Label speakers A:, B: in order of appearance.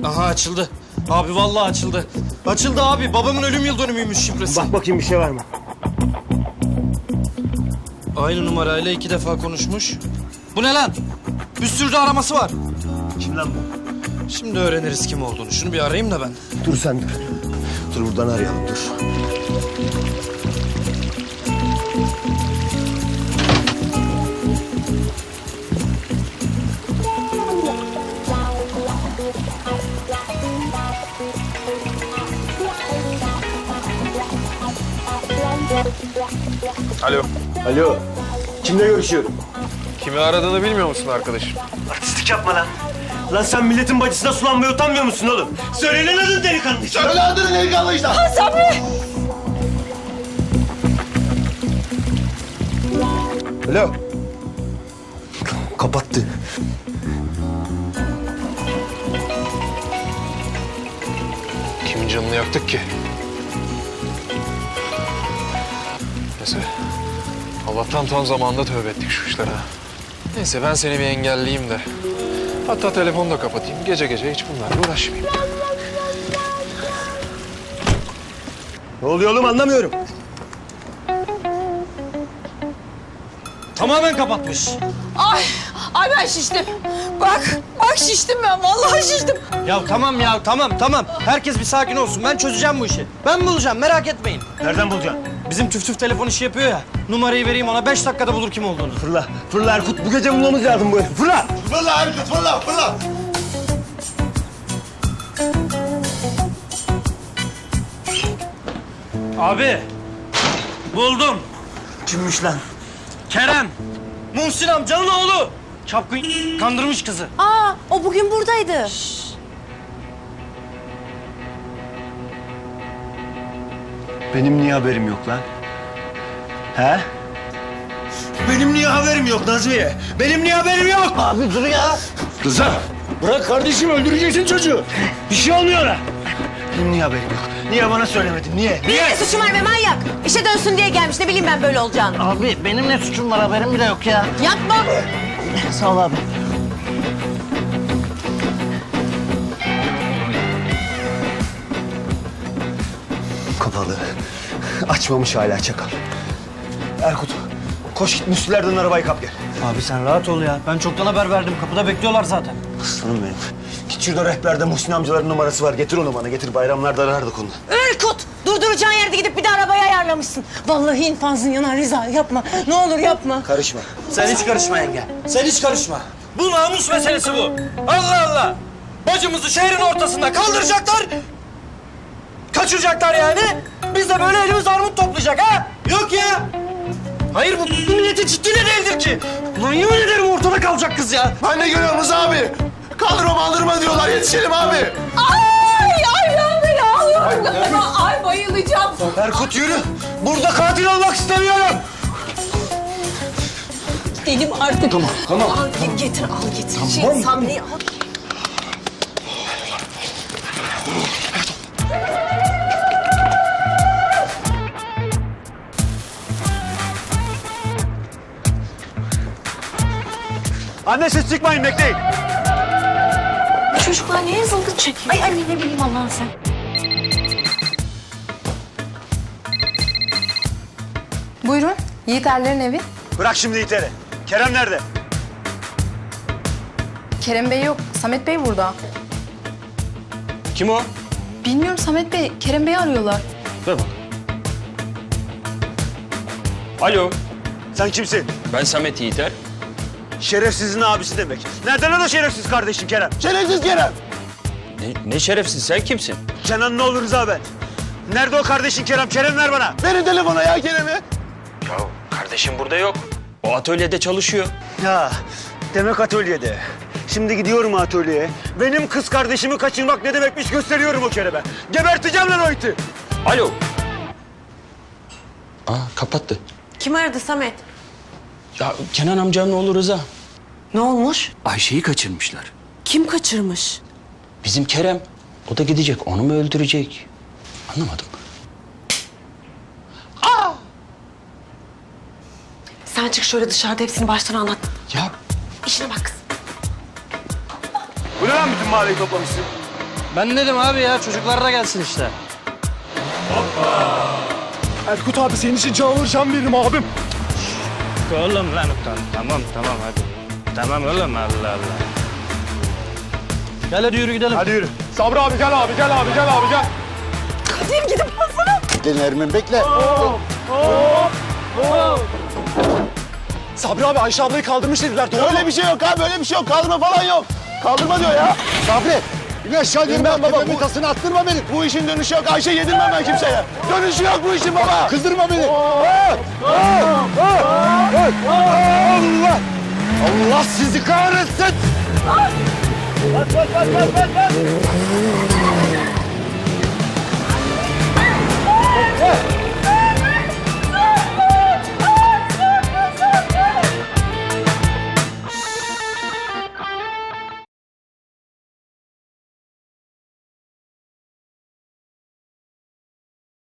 A: Aha açıldı. Abi vallahi açıldı. Açıldı abi. Babamın ölüm yıl dönümüymüş şifresi.
B: Bak bakayım bir şey var mı?
A: Aynı numarayla 2 defa konuşmuş. Bu ne lan? Bir sürü de araması var.
B: Kim lan bu?
A: Şimdi öğreniriz kim olduğunu. Şunu bir arayayım da ben.
B: Dur sen dur. Dur buradan arayalım dur.
C: Alo.
B: Alo. Kimle görüşüyorum?
C: Kimi aradığını bilmiyor musun arkadaşım?
B: Artistlik yapma lan. Lan sen milletin bacısına sulanmaya utanmıyor musun oğlum? Söyle lan adını delikanlı.
D: Söyle adını delikanlı işte.
B: Alo. Kapattı.
C: Kimin canını yaktık ki? Neyse. Allah'tan tam zamanında tövbe ettik şu işlere. Neyse ben seni bir engelleyeyim de. Hatta telefonu da kapatayım. Gece gece hiç bunlarla uğraşmayayım.
B: Ne oluyor oğlum anlamıyorum.
A: Tamamen kapatmış.
E: Ay ben şiştim. Bak şiştim ben. Vallahi şiştim.
A: Ya tamam. Herkes bir sakin olsun. Ben çözeceğim bu işi. Ben bulacağım merak etmeyin.
B: Nereden bulacaksın?
A: Bizim tüf telefon işi yapıyor ya. Numarayı vereyim ona 5 dakikada bulur kim olduğunu.
B: Fırla. Fırla Erkut. Bu gece bulmamız lazım bu herifi. Fırla.
D: Fırla Erkut fırla fırla.
A: Abi buldum.
B: Kimmiş lan?
A: Kerem. Muhsin amcanın oğlu. Çapkın kandırmış kızı.
E: Aa o bugün buradaydı.
B: Benim niye haberim yok lan? He? Benim niye haberim yok Nazmiye? Benim niye haberim yok? Abi dur ya.
D: Rıza.
B: Bırak kardeşim öldüreceksin çocuğu. Bir şey olmuyor ona. Benim niye haberim yok? Niye bana söylemedin? Niye?
E: Ne suçum var be manyak? İşe dönsün diye gelmiş. Ne bileyim ben böyle olacağını.
F: Abi benim ne suçum var haberim bile yok ya.
E: Yapma.
F: Sağ ol abi.
B: Kapalı. Açmamış hala çakal. Erkut koş git Müslülerden arabayı kap gel.
A: Abi sen rahat ol ya. Ben çoktan haber verdim. Kapıda bekliyorlar zaten.
B: Aslanım benim. Git şurada rehberde Muhsin amcaların numarası var. Getir onu bana. Getir bayramlarda arardık onu.
E: Erkut! Durduracağın yerde gidip bir de arabayı ayarlamışsın. Vallahi infazın yanar Rıza. Yapma. Ne olur yapma.
B: Karışma.
A: Sen hiç karışma yenge. Sen hiç karışma. Bu namus meselesi bu. Allah Allah. Bacımızı şehrin ortasında kaldıracaklar. Kaçıracaklar yani. Biz de böyle elimiz armut toplayacak ha. Yok ya. Hayır bu milletin ciddiyle değildir ki. Ulan yemin ederim ortada kalacak kız ya.
D: Ben de görüyorum Rıza abi. Kaldırma maldırma diyorlar yetişelim abi.
E: Ay ben beni ağlıyorum. Ay bayılacağım.
B: Erkut yürü. Burada katil olmak istemiyorum.
E: Dedim artık.
B: Tamam.
E: Al getir al getir. Sabri'yi al.
B: Anne siz çıkmayın bekleyin.
E: Çocuklar niye zılgıt çekiyor? Ay anne ne bileyim Allah'ın sen.
G: Buyurun, Yiğit Erler'in evi.
B: Bırak şimdi iteri. Kerem nerede?
G: Kerem Bey yok, Samet Bey burada.
A: Kim o?
G: Bilmiyorum Samet Bey, Kerem Bey'i arıyorlar.
A: Ver bak. Alo.
B: Sen kimsin?
H: Ben Samet Yiğiter.
B: Şerefsizin abisi demek. Nereden o da şerefsiz kardeşin Kerem?
D: Şerefsiz Kerem.
H: Ne şerefsiz, sen kimsin?
B: Kenan ne olur Rıza ben. Nerede o kardeşin Kerem? Kerem ver bana.
D: Verin telefona ya Kerem'i.
H: Ya kardeşim burada yok. O atölyede çalışıyor.
B: Ya demek atölyede. Şimdi gidiyorum atölyeye. Benim kız kardeşimi kaçırmak ne demekmiş gösteriyorum o Kerem'e. Geberteceğim lan o iti.
H: Alo. Kapattı.
E: Kim aradı Samet?
H: Ya Kenan amcanın oğlu Rıza.
E: Ne olmuş?
H: Ayşe'yi kaçırmışlar.
E: Kim kaçırmış?
H: Bizim Kerem. O da gidecek, onu mu öldürecek? Anlamadım.
E: Sen çık şöyle dışarıda hepsini baştan anlat.
H: Ya
E: İşine bak kız.
B: Bu ne lan bütün mahalleyi toplamışsın?
A: Ben dedim abi ya çocuklar da gelsin işte.
D: Erkut abi senin için can alacağım veririm abim.
A: Oğlum lan tamam hadi. Tamam oğlum Allah Allah. Gel hadi yürü gidelim.
D: Hadi yürü. Sabri abi gel abi gel abi gel abi gel.
E: Kadir gidip alsana.
D: Bekle Nermin bekle. Sabri abi Ayşe ablayı kaldırmış dediler. Doğru öyle bir şey yok abi öyle bir şey yok. Kaldırma falan yok. Kaldırma diyor ya. Sabri. İn aşağı diyorum ben baba. Bu tasını attırma beni. Bu işin dönüşü yok. Ayşe yedirmem ben kimseye. Dönüşü yok bu işin baba. Kızdırma beni. Allah. Allah sizi kahretsin. Bas.